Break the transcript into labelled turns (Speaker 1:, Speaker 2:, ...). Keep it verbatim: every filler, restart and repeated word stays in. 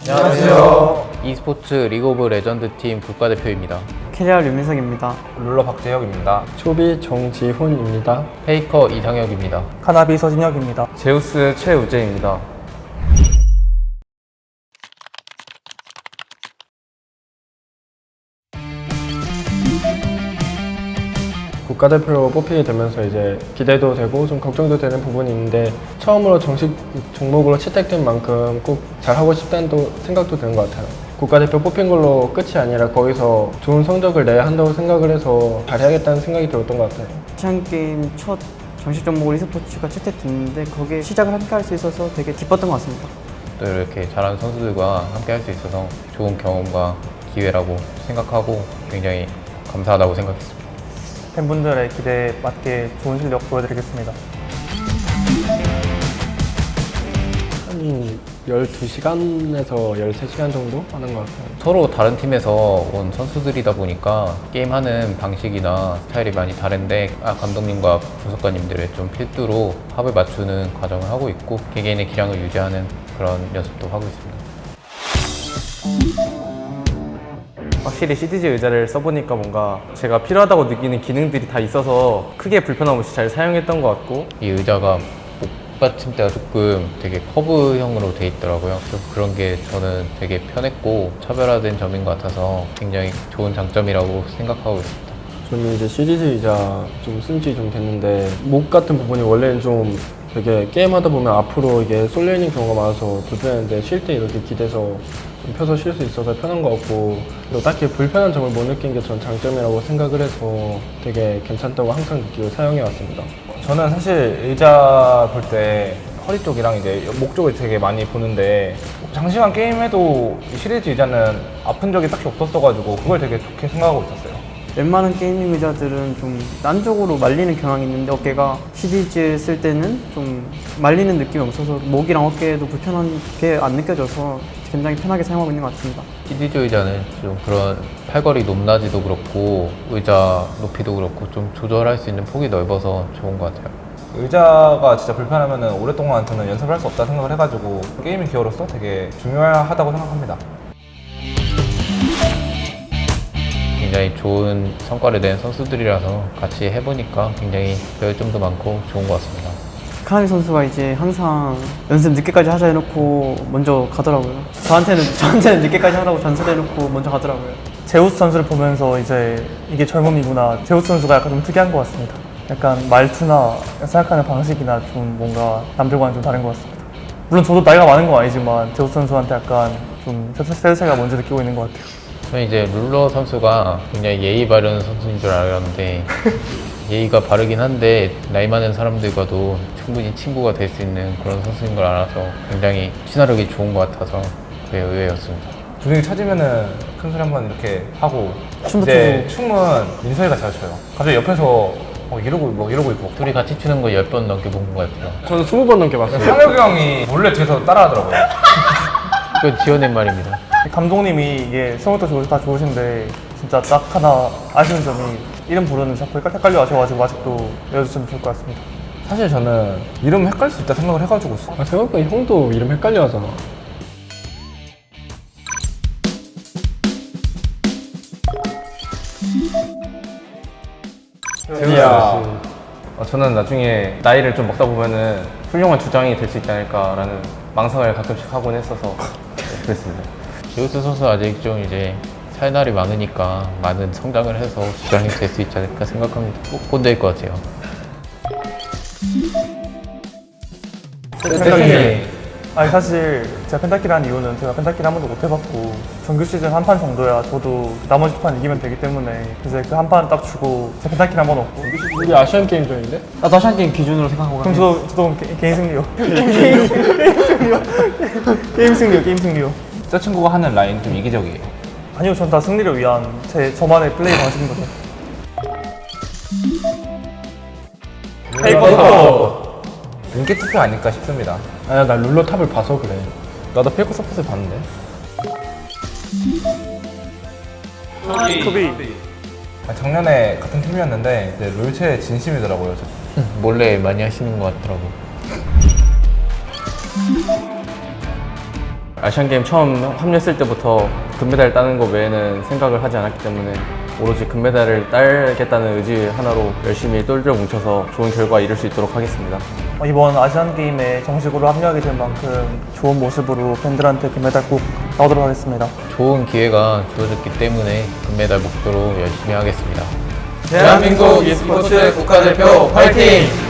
Speaker 1: 안녕하세요. e스포츠 리그 오브 레전드 팀 국가대표입니다.
Speaker 2: 캐리어 류민석입니다.
Speaker 3: 룰러 박재혁입니다.
Speaker 4: 초비 정지훈입니다.
Speaker 1: 페이커 이상혁입니다.
Speaker 5: 카나비 서진혁입니다.
Speaker 3: 제우스 최우재입니다.
Speaker 4: 국가대표로 뽑히게 되면서 이제 기대도 되고 좀 걱정도 되는 부분이 있는데 처음으로 정식 종목으로 채택된 만큼 꼭 잘하고 싶다는 또 생각도 드는 것 같아요. 국가대표 뽑힌 걸로 끝이 아니라 거기서 좋은 성적을 내야 한다고 생각을 해서 잘해야겠다는 생각이 들었던 것 같아요.
Speaker 2: 아시안게임 첫 정식 종목으로 e스포츠가 채택됐는데 거기에 시작을 함께 할 수 있어서 되게 기뻤던 것 같습니다.
Speaker 1: 또 이렇게 잘하는 선수들과 함께 할 수 있어서 좋은 경험과 기회라고 생각하고 굉장히 감사하다고 생각했습니다.
Speaker 5: 팬분들의 기대에 맞게 좋은 실력 보여드리겠습니다.
Speaker 4: 한 열두 시간에서 열세 시간 정도 하는 것 같아요.
Speaker 1: 서로 다른 팀에서 온 선수들이다 보니까 게임하는 방식이나 스타일이 많이 다른데 아, 감독님과 분석가님들의 좀 필두로 합을 맞추는 과정을 하고 있고 개개인의 기량을 유지하는 그런 연습도 하고 있습니다.
Speaker 3: 확실히 씨디지 의자를 써보니까 뭔가 제가 필요하다고 느끼는 기능들이 다 있어서 크게 불편함 없이 잘 사용했던 것 같고
Speaker 1: 이 의자가 목받침대가 조금 되게 커브형으로 돼 있더라고요. 좀 그런 게 저는 되게 편했고 차별화된 점인 것 같아서 굉장히 좋은 장점이라고 생각하고 있습니다.
Speaker 4: 저는 이제 시리즈 의자 좀 쓴 지 좀 됐는데 목 같은 부분이 원래는 좀 되게 게임하다 보면 앞으로 이게 쏠려 있는 경우가 많아서 불편했는데 쉴 때 이렇게 기대서 좀 펴서 쉴 수 있어서 편한 것 같고 그리고 딱히 불편한 점을 못 느낀 게 전 장점이라고 생각을 해서 되게 괜찮다고 항상 느끼고 사용해 왔습니다.
Speaker 3: 저는 사실 의자 볼 때 허리 쪽이랑 이제 목 쪽을 되게 많이 보는데 장시간 게임해도 이 시리즈 의자는 아픈 적이 딱히 없었어가지고 그걸 되게 좋게 생각하고 있었어요.
Speaker 2: 웬만한 게이밍 의자들은 좀 난쪽으로 말리는 경향이 있는데 어깨가 시리즈 쓸 때는 좀 말리는 느낌이 없어서 목이랑 어깨에도 불편한 게 안 느껴져서 굉장히 편하게 사용하고 있는 것 같습니다.
Speaker 1: 씨디지 의자는 좀 그런 팔걸이 높낮이도 그렇고 의자 높이도 그렇고 좀 조절할 수 있는 폭이 넓어서 좋은 것 같아요.
Speaker 3: 의자가 진짜 불편하면 오랫동안 저는 연습을 할 수 없다 생각을 해가지고 게이밍 기어로서 되게 중요하다고 생각합니다.
Speaker 1: 굉장히 좋은 성과를 낸 선수들이라서 같이 해보니까 굉장히 배울 점도 많고 좋은 것 같습니다.
Speaker 2: 카나비 선수가 이제 항상 연습 늦게까지 하자 해놓고 먼저 가더라고요. 저한테는 저한테는 늦게까지 하라고 전설해놓고 먼저 가더라고요.
Speaker 5: 제우스 선수를 보면서 이제 이게 젊음이구나. 제우스 선수가 약간 좀 특이한 것 같습니다. 약간 말투나 생각하는 방식이나 좀 뭔가 남들과는 좀 다른 것 같습니다. 물론 저도 나이가 많은 건 아니지만 제우스 선수한테 약간 좀 세대 차이가 먼저 느끼고 있는 것 같아요.
Speaker 1: 저는 이제 룰러 선수가 굉장히 예의 바른 선수인 줄 알았는데 예의가 바르긴 한데 나이 많은 사람들과도 충분히 친구가 될 수 있는 그런 선수인 걸 알아서 굉장히 친화력이 좋은 것 같아서 그게 의외였습니다.
Speaker 3: 분위기 찾으면은 큰 소리 한번 이렇게 하고
Speaker 2: 춤도
Speaker 3: 이제 춤은 민서이가 잘 춰요. 갑자기 옆에서 어, 이러고 뭐 이러고 있고
Speaker 1: 둘이 같이 추는 거 열 번 넘게 본 것 같아요.
Speaker 4: 저는 스무 번 넘게 봤어요.
Speaker 3: 상혁이 형이 몰래 뒤에서 따라하더라고요.
Speaker 1: 그건 지어낸 말입니다.
Speaker 5: 감독님이 이게 성격도 좋으, 다 좋으신데 진짜 딱 하나 아쉬운 점이 이름 부르는 자꾸 헷갈려 하셔가지고 아직도 외워주시면 좋을 것 같습니다.
Speaker 3: 사실 저는 이름 헷갈릴 수 있다 생각을 해가지고
Speaker 4: 아, 생각보다 형도 이름 헷갈려 하잖아.
Speaker 3: 재우야, 어, 저는 나중에 나이를 좀 먹다 보면은 훌륭한 주장이 될 수 있지 않을까라는 망상을 가끔씩 하곤 했어서 네, 그랬습니다.
Speaker 1: 제우스 선수 아직 좀 이제 살 날이 많으니까 많은 성장을 해서 주장이 될 수 있지 않을까 생각합니다. 꼭 꼰대일 것 같아요.
Speaker 3: 펜타키
Speaker 5: 아니 사실 제가 펜타키를 한 이유는 제가 펜타키를 한 번도 못 해봤고 정규 시즌 한 판 정도야 저도 나머지 판 이기면 되기 때문에 그래서 그 한 판 딱 주고 제가 펜타키를 한 번 얻고
Speaker 4: 우리 아시안 게임전인데?
Speaker 2: 나도 아시안게임 기준으로 생각하고
Speaker 5: 그럼
Speaker 2: 가면
Speaker 5: 저도, 저도 게, 개인 승리요. 게임 승리요. 게임 승리요. 게임 승리요.
Speaker 3: 저 친구가 하는 라인 좀 이기적이에요.
Speaker 5: 아니요, 전 다 승리를 위한 제 저만의 플레이 방식인 거죠.
Speaker 3: 페이커 인기 투표 아닐까 싶습니다.
Speaker 4: 아니야, 나 룰러 탑을 봐서 그래.
Speaker 3: 나도 페이커 서폿을 봤는데.
Speaker 5: 소비.
Speaker 3: 아, 작년에 같은 팀이었는데 이제 롤체의 진심이더라고요. 저.
Speaker 1: 몰래 많이 하시는 것 같더라고.
Speaker 4: 아시안게임 처음 합류했을 때부터 금메달 따는 거 외에는 생각을 하지 않았기 때문에 오로지 금메달을 따겠다는 의지 하나로 열심히 똘똘 뭉쳐서 좋은 결과 이룰 수 있도록 하겠습니다.
Speaker 5: 어, 이번 아시안게임에 정식으로 합류하게 된 만큼 좋은 모습으로 팬들한테 금메달 꼭 따오도록 하겠습니다.
Speaker 1: 좋은 기회가 주어졌기 때문에 금메달 목표로 열심히 하겠습니다.
Speaker 2: 대한민국 e스포츠 국가대표 화이팅!